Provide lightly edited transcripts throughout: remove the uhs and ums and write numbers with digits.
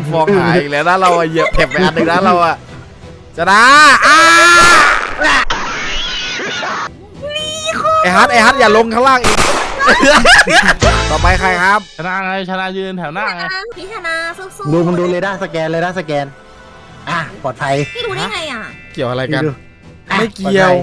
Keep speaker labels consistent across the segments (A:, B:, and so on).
A: ฟองหายอีกแล้วนะเราเหยียบแถบไปอันหนึ่งนะเราอะชนะไอฮัทอย่าลงข้างล่างอีกต่อไปใครครับ
B: ชนะไงชนะยืนแถวหน้าไง
C: พี่ชนะสู้ๆ
D: ดูมันดูเรดาร์สแกนปลอดภัย
C: พี่ดูได้ไงอ่ะ
A: เกี่ยวอะไรกันไม่เกี่ยว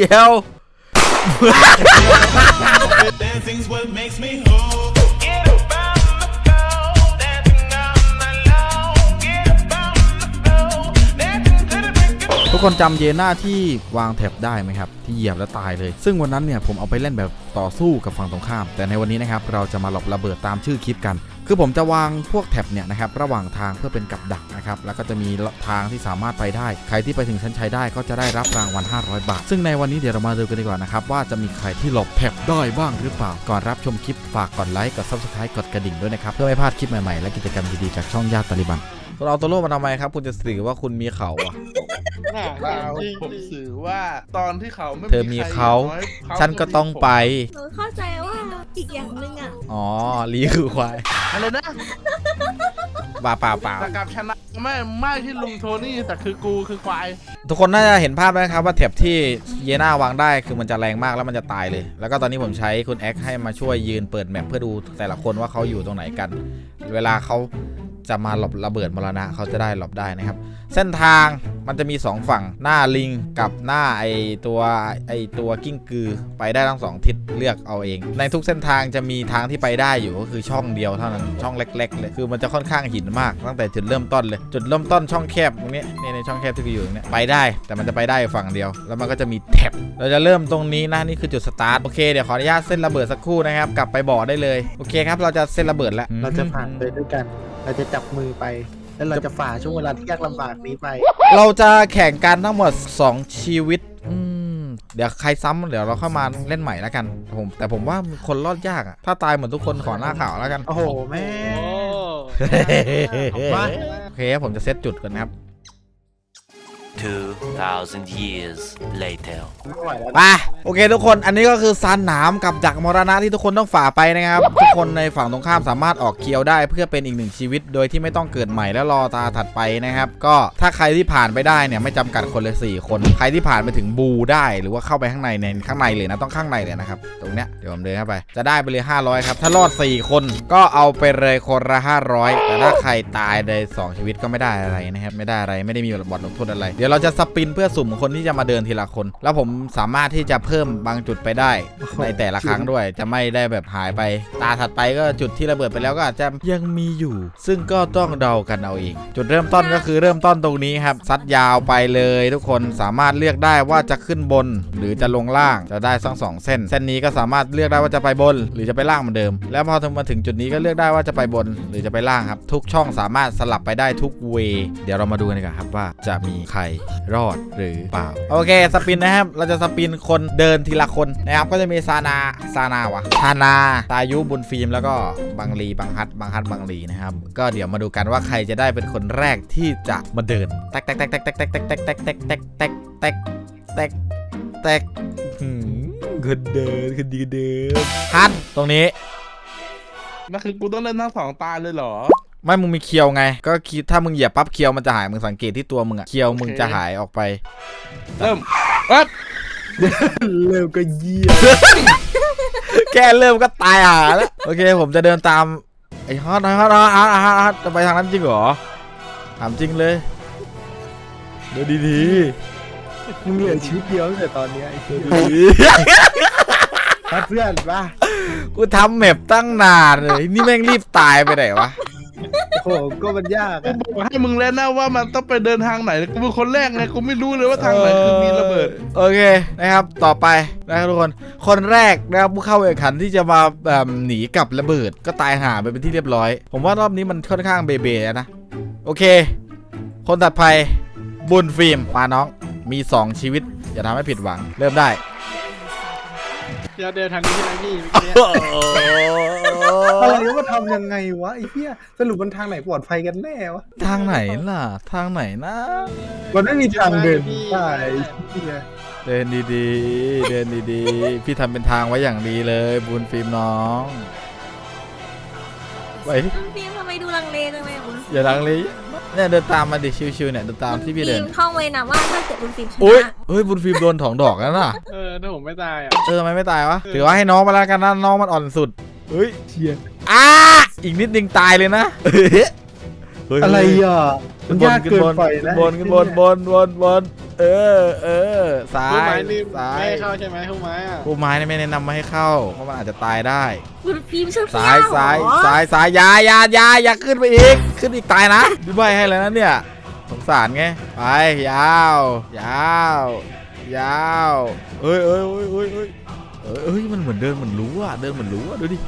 A: ทุกคนจำเยน่าที่วางแท็บได้ไหมครับที่เหยียบแล้วตายเลยซึ่งวันนั้นเนี่ยผมเอาไปเล่นแบบต่อสู้กับฝั่งตรงข้ามแต่ในวันนี้นะครับเราจะมาหลบระเบิดตามชื่อคลิปกันคือผมจะวางพวกแท็บเนี่ยนะครับระหว่างทางเพื่อเป็นกับดักนะครับแล้วก็จะมีทางที่สามารถไปได้ใครที่ไปถึงชั้นชัยได้ก็จะได้รับรางวัล500 บาทซึ่งในวันนี้เดี๋ยวเรามาดูกันดีกว่านะครับว่าจะมีใครที่หลบแท็บได้บ้างหรือเปล่าก่อนรับชมคลิปฝากกดไลค์กด Subscribe กดกระดิ่งด้วยนะครับเพื่อไม่พลาดคลิปใหม่ๆและกิจกรรมดีๆจากช่องญาติตาลิบันคุณเอาตัวโล่มาทำไมครับคุณจะสื่อว่าคุณมีเขาอ่ะ
B: ผมสื่อว่าตอนที่เขาไม่
A: เธอมีเขาฉันก็ต้องไป
C: หนูเข้าใจว่าอีกอย่างหนึ่งอ่ะ
A: อ๋อลีคือควาย
B: อะไรนะ
A: เปล่า
B: แต่กับชนะไม่ที่ลุงโทนี่แต่คือกูคือควาย
A: ทุกคนน่าจะเห็นภาพแล้วครับว่าแถบที่เยน่าวางได้คือมันจะแรงมากแล้วมันจะตายเลยแล้วก็ตอนนี้ผมใช้คุณแอ็กให้มาช่วยยืนเปิดแมปเพื่อดูแต่ละคนว่าเขาอยู่ตรงไหนกันเวลาเขาจะมาหลบระเบิดมรณะเขาจะได้หลบได้นะครับเส้นทางมันจะมี2ฝั่งหน้าลิงกับหน้าไอตัวกิ้งกือไปได้ทั้ง2ทิศเลือกเอาเองในทุกเส้นทางจะมีทางที่ไปได้อยู่ก็คือช่องเดียวเท่านั้นช่องเล็กๆเลยคือมันจะค่อนข้างหินมากตั้งแต่จุดเริ่มต้นเลยจุดเริ่มต้นช่องแคบตรงนี้ในช่องแคบที่อยู่ตรงนี้ไปได้แต่มันจะไปได้ฝั่งเดียวแล้วมันก็จะมีแท็บเราจะเริ่มตรงนี้นะนี่คือจุดสตาร์ทโอเคเดี๋ยวขออนุญาตเส้นระเบิดสักครู่นะครับกลับไปบ่อได้เลยโอเคครับเราจะเส้นระเบิดแล้ว
D: เราจะผ่านไปด้วยกันเราจะจับมือไปแล้วเราจะฝ่าช่วงเวลาที่ยากลำบากนี้ไป
A: เราจะแข่งกันทั้งหมด2ชีวิตเดี๋ยวใครซ้ำเดี๋ยวเราเข้ามาเล่นใหม่แล้วกันแต่ผมว่าคนรอดยากอะถ้าตายเหมือนทุกคนขอหน้าข่าวแล้วกัน
D: โอ้โหแม่
A: โอเคผมจะเซตจุดกันครับ
E: 2,000 years later
A: ไปโอเคทุกคนอันนี้ก็คือซานหนามกับดักมรณะที่ทุกคนต้องฝ่าไปนะครับทุกคนในฝั่งตรงข้ามสามารถออกเคียวได้เพื่อเป็นอีก1ชีวิตโดยที่ไม่ต้องเกิดใหม่แล้วรอตาถัดไปนะครับก็ถ้าใครที่ผ่านไปได้เนี่ยไม่จำกัดคนเลย4คนใครที่ผ่านไปถึงบูได้หรือว่าเข้าไปข้างในเลยนะต้องข้างในเลยนะครับตรงเนี้ยเดี๋ยวผมเดินเข้าไปจะได้ไปเลย500ครับถ้ารอด4คนก็เอาไปเลยคนละ500แต่ถ้าใครตายใน2ชีวิตก็ไม่ได้อะไรนะครับไม่ได้มีบทลงโทษอะไรเดี๋ยวเราจะสปินเพื่อสุ่มคนที่จะมาเดินทีละคนแล้วผมสามารถที่จะเพิ่มบางจุดไปได้ในแต่ละครั้งด้วยจะไม่ได้แบบหายไปตาถัดไปก็จุดที่ระเบิดไปแล้วก็อาจจะยังมีอยู่ซึ่งก็ต้องเดากันเอาเองจุดเริ่มต้นก็คือเริ่มต้นตรงนี้ครับซัดยาวไปเลยทุกคนสามารถเลือกได้ว่าจะขึ้นบนหรือจะลงล่างจะได้ทั้ง2เส้นนี้ก็สามารถเลือกได้ว่าจะไปบนหรือจะไปล่างเหมือนเดิมแล้วพอมาถึงจุดนี้ก็เลือกได้ว่าจะไปบนหรือจะไปล่างครับทุกช่องสามารถสลับไปได้ทุกเวย์เดี๋ยวเรามาดูกันดีกว่าครับว่าจะมีใครรอดหรือเปล่าโอเคสปินนะครับเราจะสปินคนเดินทีละคนนะครับก็จะมีซานาตายุบุญฟิล์มแล้วก็บังลีบังฮัดบังลีนะครับก็เดี๋ยวมาดูกันว่าใครจะได้เป็นคนแรกที่จะมาเดินแตกคนเดินคนดีเดินฮัทตรงนี้
B: นั่นคือกูต้องเล่นทั้ง2ตาเลยเหรอ
A: ไม่มึงมีเคียวไงก็คิดถ้ามึงเหยียบปั๊บเคียวมันจะหายมึงสังเกตที่ตัวมึงอะเคียวมึงจะหายออกไป
B: เริ่ม
D: ก็เยี่ยม
A: แค่เริ่มก็ตายหาแล้วโอเคผมจะเดินตามไอ้ฮอตจะไปทางนั้นจริงเหรอถามจริงเลยเดี๋ยวดี
D: มึงเหลือชีวิตเดียวตั้งแต่ตอนนี้ไอ้เพื่อนป่ะ
A: กูทำแมปตั้งนานเลยนี่แม่งรีบตายไปไหนวะ
D: โอ้ก็มันยาก
B: กูบอกให้มึงแล้วนะว่ามันต้องไปเดินทางไหนกูเป็นคนแรกไงกูไม่รู้เลยว่าทางไหนคือมีระเบิด
A: โอเคนะครับต่อไปนะครับทุกคนแรกนะครับผู้เข้าแข่งขันที่จะมาหนีกับระเบิดก็ตายหาไปเป็นที่เรียบร้อยผมว่ารอบนี้มันค่อนข้างเบนะโอเคคนถัดไปบุญฟิล์มมาน้องมี2ชีวิตอย่าทำให้ผิดหวังเริ่มได้
F: เดินทางนี้ใช่ไหมพี่
D: อะไรว่าทำยังไงวะไอ้เหี้ยสรุปมันทางไหนปลอดภัยกันแน่วะ
A: ทางไหนล่ะทางไหนนะ
D: มันไม่มีทางเดินได้
A: เดินดีพี่ทำเป็นทางไว้อย่างดีเลยบุญฟิล์มน้อง
C: ไปบุญฟิล์มทำไมดูลังเลจังเลยคุณ
A: อย่าลังเลเนี่ยเดินตามมาดิชิวๆเนี่ยเดินตามที่พี่เดิน
C: ท่องไว้นะว่าถ้าเกิดคุณฟิล์มช
A: อุ้ย
C: นะ
A: เฮ้ยบุญฟิล์มโดน2 ดอกแล้วน่ะ
F: ถ้าผมไม่ตายอ่ะ
A: ทำไมไม่ตายวะถือว่าให้น้องมาแล้วกันนะน้องมันอ่อนสุดเฮ้ยเชียอีกนิดนึงตายเลยนะเฮ้ย
D: อะไรอ่ะมันยากเกินไปนะ
A: ขึ้นบนเออซ้า
F: ผู้ไม้
A: ย
F: นี่
A: ซ้า
F: ไม่
A: ย
F: ให้เข้าใช่ไหมผู้ไม้อ่ะ
A: ผู้ไม้เนี่ยไม่แนะนำมาให้เข้าเพราะมันอาจจะตายได้
C: คุณฟิล์มชอบ
A: ซ้ายอย่าขึ้นไปอีกขึ้นอีกตายนะพี่ใบให้แล้วนะเนี่ยสงสารไงไปยาวเอ้ยมันเหมือนเดินเหมือนรู้อะดูดิ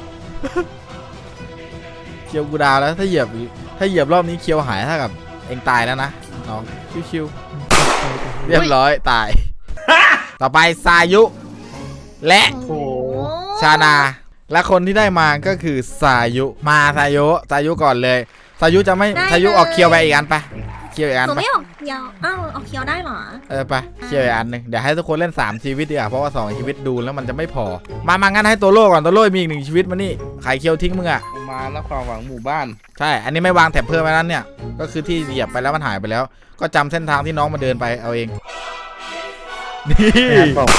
A: เคียวกูดาวแล้วถ้าเหยียบรอบนี้เคียวหายเท่ากับเองตายแล้วนะน้องชิวๆเรียบร้อยตาย ต่อไปซายุ และ
C: โอ้โห
A: ชานาและคนที่ได้มาก็คือซายุมาซายุก่อนเลยซายุจะไม่ซายุออกเคียวไปอีกอันไปเคียวอีกอัน
C: หนู
A: ไป
C: ไม่ออกเคียวอ้าวออกเคียวได้เหรอ
A: ไปเคียวอีกอันหนึ่งเดี๋ยวให้ทุกคนเล่น3ชีวิตดีกว่าเพราะว่า2ชีวิตดูแล้วมันจะไม่พอมางั้นให้ตัวโล่ก่อนตัวโล่มีอีก1ชีวิตมานี่ใครเคียวทิ้งมึงอะ
B: มาแล้วความหวังหมู่บ้าน
A: ใช่อันนี้ไม่วางแถบเพิ่มไว้นั้นเนี่ยก็คือที่เหยียบไปแล้วมันหายไปแล้ว ก็จำเส้นทางที่น้องมาเดินไปเอาเองนี่
D: แอนบอก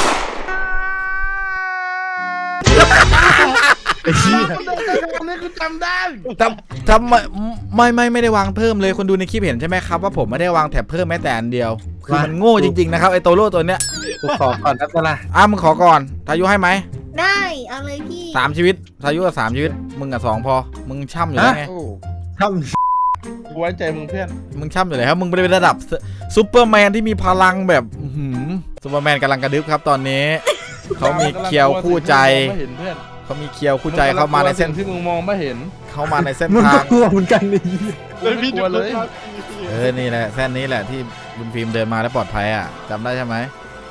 D: ไอ้เหี้ย
B: อันนี้กูจำได้
A: ทำไม่ได้วางเพิ่มเลยคนดูในคลิปเห็นใช่ไหมครับว่าผมไม่ได้วางแถบเพิ่มแม้แต่อันเดียวคือมันโง่จริงๆนะครับไอโตโร่ตัวเนี้ย
D: กูขอก่อนนะตะละ
A: มึงขอก่อนทายุให้ไหม
C: ได้เอาเลยพี่
A: 3 ชีวิตทายุกับ3 ชีวิตมึงกับ2พอมึงช่ำอยู่แล้วไง
B: โอ้
D: ท
B: กูไว้ใจมึงเพื่อน
A: มึงช่ำอยู่แล้วครับมึงเป็นระดับซูเปอร์แมนที่มีพลังแบบซูเปอร์แมนกำลังกระดึ๊บครับตอนนี้เขามีเคียวคู่ใจ
B: ไม่เห็นเพื่อน
A: เขามีเคียวคู่ใจเข้ามาในเส้น
B: ที่มึงมองไม่เห็น
A: เข้ามาในเส้น
D: ำมัน
A: ทา
D: ก็
A: ง
D: กลัวเหมือนกันนี่
F: เลยพี่
B: กลัวเลย
A: นี่แหละเส้นนี้แหละที่บุญฟิล์มเดินมาแล้วปลอดภัยอ่ะจำได้ใช่ไหม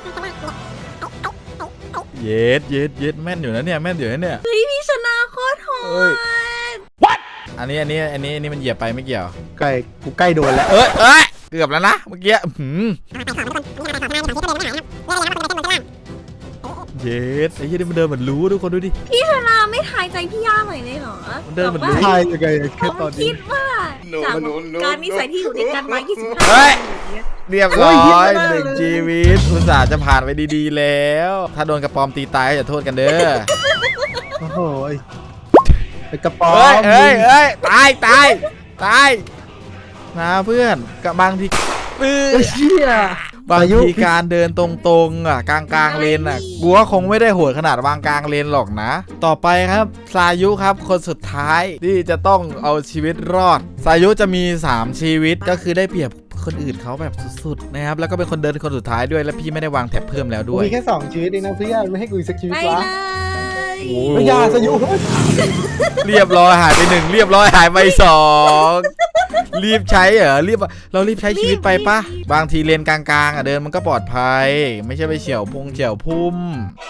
A: เย็ดแม่นอยู่นะเนี่ย
C: เฮ้ยพี่ชนะโคตรโห
A: เอ้ย
C: ด
A: อันนี้มันเหยียบไปไม่เกี่ยว
D: กูใกล้โดนแล้ว
A: เอ้ยเกือบแล้วนะเมื่อกี้เย็ดไอ้ยี่นี่มันเดินเหมือนรู้ทุกคนดูดิ
C: พี่ชนะไม่ทายใจพี่ย่าหน่อยเลยเหรอ
A: มันเดินเหมือนรู้
D: ใช่ยังไงแค่
C: เขา
D: ตอน
C: คิ
D: นี้
C: ดว่าจากการนิสัยที่อยู่ด้วยกันมา
A: เฮ้ย
C: 25
A: เรียบร้อย1 ชีวิตอุตส่าห์จะผ่านไปดีๆแล้ว ถ้าโดนกระปอมตีตายก็อย่าโทษกันเด้อ
D: โอ้โหไอ้กระป๋อม
A: เอ้ยตายนะเพื่อนกับบางที
D: ไอ้เชี่ย
A: บางทีการเดินตรงๆอ่ะกลางเลนอ่ะกูว่าคงไม่ได้โหดขนาดวางกลางเลนหรอกนะ ต่อไปครับซายุครับคนสุดท้ายที่จะต้องเอาชีวิตรอดซายุจะมี3 ชีวิตก็คือได้เปรียบคนอื่นเขาแบบสุดๆนะครับแล้วก็เป็นคนเดินคนสุดท้ายด้วยและพี่ไม่ได้วางแถบเพิ่มแล้ว
D: กู
A: ด้วย
D: มีแค่2ชีวิตเองนะเพื่อนไม่ให้กูอีกสักชีวิต
C: ไป
D: วะ
C: เลย
D: ไม่ยาสยุ
A: เรียบร้อยหายไป1เรียบร้อยหายไป2รีบใช้เหรอเรารีบใช้ชีวิตไปปะบางทีเลนกลางๆอ่ะเดินมันก็ปลอดภัย ไม่ใช่ไปเฉี่ยวพุ่ม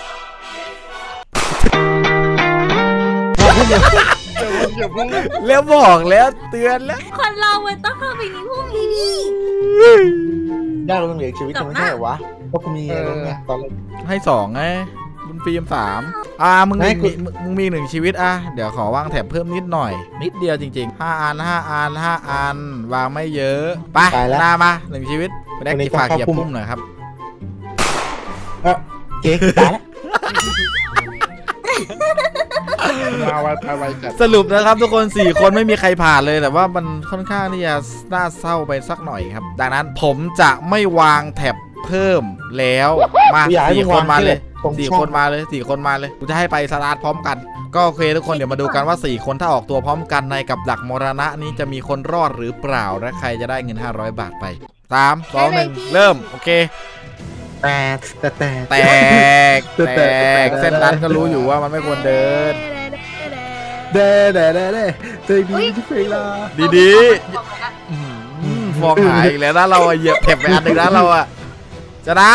A: แล้วบอกแล้วเตือนแล้ว
C: คนเรามันต้องเข้าไปในพวกนี้ดิ
D: ยากลงเหลืออีกชีวิตไม่ใช่เหรอวะเพราะกูมีอะไรไงตอนแรก
A: ให้2ไงบุญฟิล์ม3มึง
D: ไม่
A: มี1 ชีวิตเดี๋ยวขอวางแถบเพิ่มนิดหน่อย นิดเดียวจริงๆ5 อันวางไม่เยอะไปหน้ามา1 ชีวิตไปได้กี่ฝากเหยียบพุ่มหน่อยครับ
D: เก๊กตายแล้ว
B: มาไวจัด
A: สรุปนะครับทุกคน 4 คนไม่มีใครผ่านเลยแต่ว่ามันค่อนข้างที่จะน่าเศร้าไปสักหน่อยครับดังนั้นผมจะไม่วางแถบเพิ่มแล้วมา4 คนมาเลย4 คนมาเลยกูจะให้ไปสตาร์ทพร้อมกันก็โอเคทุกคนเดี๋ยวมาดูกันว่า4 คนถ้าออกตัวพร้อมกันในกับดักมรณะนี้จะมีคนรอดหรือเปล่าและใครจะได้เงิน500 บาทไป3 2 1เริ่มโอเคแตกเส้นนั้นก็รู้อยู่ว่ามันไม่ควรเดิน
D: เด้เจอดีที่เพลงลา
A: ดีๆฟองหายอีกแล้วนะเราอะเหยียบแถบไปอันหนึ่งนะเราอะจะนะ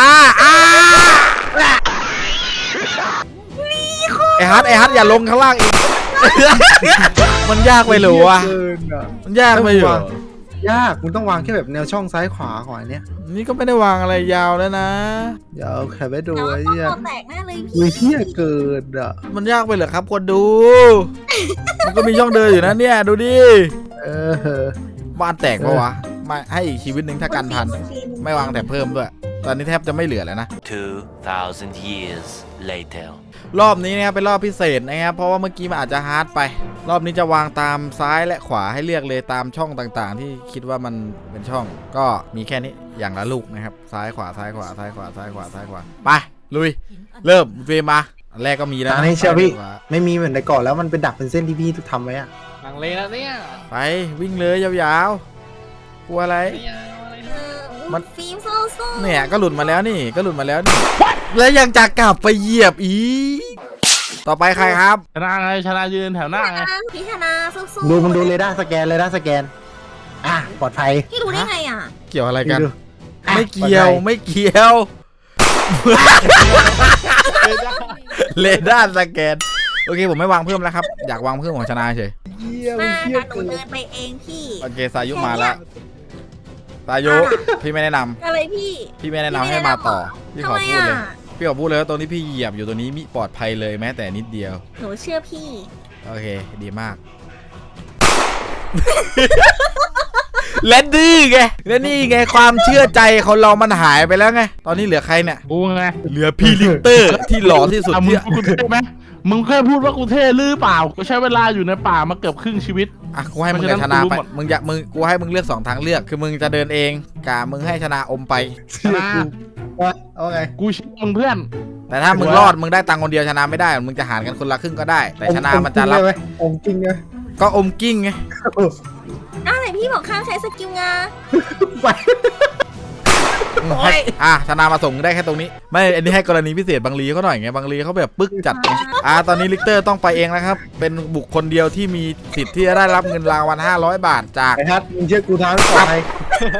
A: ไอฮัทอย่าลงข้างล่างอีก มันยากไปหรือวะมันยากไปอยู่
D: ยากมึงต้องวางแค่แบบแนวช่องซ้ายขวาก่อนเนี้ย
A: นี่ก็ไม่ได้วางอะไรยาวแล้วนะ
D: เดี๋ยวแค่ไปดู
C: น้อง
D: ไอ้
C: ต้อง
D: เหี้ย
C: ตัวแตกแน่เลยพี่
D: มือเหี้ยเกินอ่ะ
A: มันยากไปเหรอครับคนดู มันก็มีช่องเดินอยู่นะเนี่ยดูดิ
D: เออ
A: บ้านแตกปะวะไม่ให้อีกชีวิตหนึ่งถ้ากันทัน ไม่วางแต่เพิ่มด้วย ตอนนี้แทบจะไม่เหลือแล้วนะ
E: 2,000 years later.
A: รอบนี้นะครับเป็นรอบพิเศษนะครับเพราะว่าเมื่อกี้มันอาจจะฮาร์ดไป รอบนี้จะวางตามซ้ายและขวาให้เลือกเลยตามช่องต่างๆ ที่คิดว่ามันเป็นช่อง ก็มีแค่นี้อย่างละลูกนะครับซ้ายขวาซ้ายขวาซ้ายขวาซ้ายขวาซ้ายขวาไปลุยเริ่มเฟรมมาอันแรกก็มีแล้ว
D: อันนี้เชื่อพี่
A: ซ้ายขวา
D: ไม่มีเหมือนในก่อนแล้วมันเป็นดักเป็นเส้นที่พี่ทำไว้อะ
F: หลังเลยแล้วเนี่ย
A: ไปวิ่งเลยยาวๆกลัวอะไร
F: ไม่เอาอะไร
C: เอ
F: นะ
C: อ
A: มัน
C: ฟิล์มโซโซ
A: เนี่ยก็หลุดมาแล้วนี่ก็หลุดมาแล้วนี่แล้วยังจะกลับไปเหยียบอีกต่อไปใครครับ
B: ชนะไงชนะยืนแถวหน้าไง
C: พี่ธนาสู้
D: ดูมันดูเรดาร์สแกนเรดาร์สแกนอ่ะปลอดภัย
C: พี่รู้ได้ไงอ่ะ
A: เกี่ยวอะไรกัน
D: ดูอ่ะ
A: ไม่เกี่ยว
D: ปลอดภั
A: ไม่เกี่ยว เรดาร์สแกนโอเคผมไม่วางเพิ่มแล้วครับอยากวางเพิ่มของชนะเฉย
C: มาแต่หนูเดินไปเองพี่
A: โอเคสายุมาแล้วสายุพี่ไม่แนะนำ
C: อะไรพี่
A: พี่ไม่แนะนำให้มาต่อพี่
C: ทำ
A: ขอ
C: ไม
A: พูด
C: อ่ะ
A: เลยพี่ขอพูดเลยว่าตรงที่พี่เหยียบอยู่ตัวนี้มีปลอดภัยเลยแม้แต่นิดเดียว
C: หนูเชื่อพี่
A: โอเคดีมาก และนี่ไงและนี่ไงความเชื่อใจของเรามันหายไปแล้วไงตอนนี้เหลือใครเนี่ย
B: กูไง
A: เหลือพี่ลิกเตอร์ที่หล่อที่สุด
B: อ่ะมึ
A: ที่
B: งกูเท่ไหมมึงแค่พูดว่ากูเท่หรือเปล่ากูใช้เวลาอยู่ในป่ามาเกือบครึ่งชีวิต
A: อ่ะกูให้มึง
B: เพ
A: กับ
B: ราะ
A: ช
B: ฉะนั้
A: นะ
B: น
A: ไป
B: กูรู้หมด
A: มึงอยากกูให้มึงเลือก2ทางเลือกคือมึงจะเดินเองกามึงให้ชนะอมไป
B: ชนะ
D: ว่าเอาไง
B: กูเชื่อมึงเพื่อน
A: แต่ถ้ามึงรอดมึงได้ตังค์คนเดียวชนะไม่ได้มึงจะหารกันคนละครึ่งก็ได้ แต่ชนะมันจะรับ
D: อมจริงเลย
A: ก็อมกิ้งไง
C: อะไรพี่บอกข้ามใช้สกิลงา
D: ไป
A: ให้ชนะมาส่งได้แค่ตรงนี้ไม่อันนี้ให้กรณีพิเศษบางลีเขาหน่อยไงบางลีเขาแบบปึ๊กจัดไงตอนนี้ลิกเตอร์ต้องไปเองนะครับเป็นบุคคลเดียวที่มีสิทธิ์ที่จะได้รับเงินรางวัล500 บาทจาก
D: ไอ้ฮัทมึงเชื่อกูทางปลอดภัย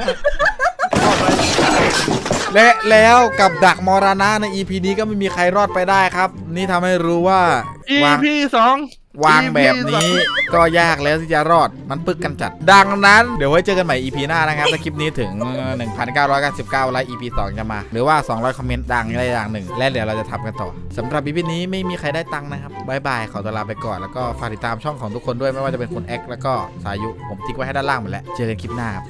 A: และแล้วกับดักมรณะใน EP นี้ก็ไม่มีใครรอดไปได้ครับ นี่ทำให้รู้ว่าวาง
B: EP 2
A: วางแบบนี้ก็ยากแล้วที่จะรอดมันปึกกันจัด ดังนั้นเดี๋ยวไว้เจอกันใหม่ EP หน้านะครับถ้าคลิปนี้ถึง 1,999 ไลค์ EP 2 จะมา หรือว่า 200 คอมเมนต์ดังอะไรอย่างหนึ่ง และเดี๋ยวเราจะทำกันต่อสำหรับ EP นี้ไม่มีใครได้ตังค์นะครับบายบายขอตัวลาไปก่อนแล้วก็ฝากติดตามช่องของทุกคนด้วยไม่ว่าจะเป็นคุณแอ็กแล้วก็สายุผมทิ้งไว้ให้ด้านล่างหมดแล้วเจอกันคลิปหน้าครับ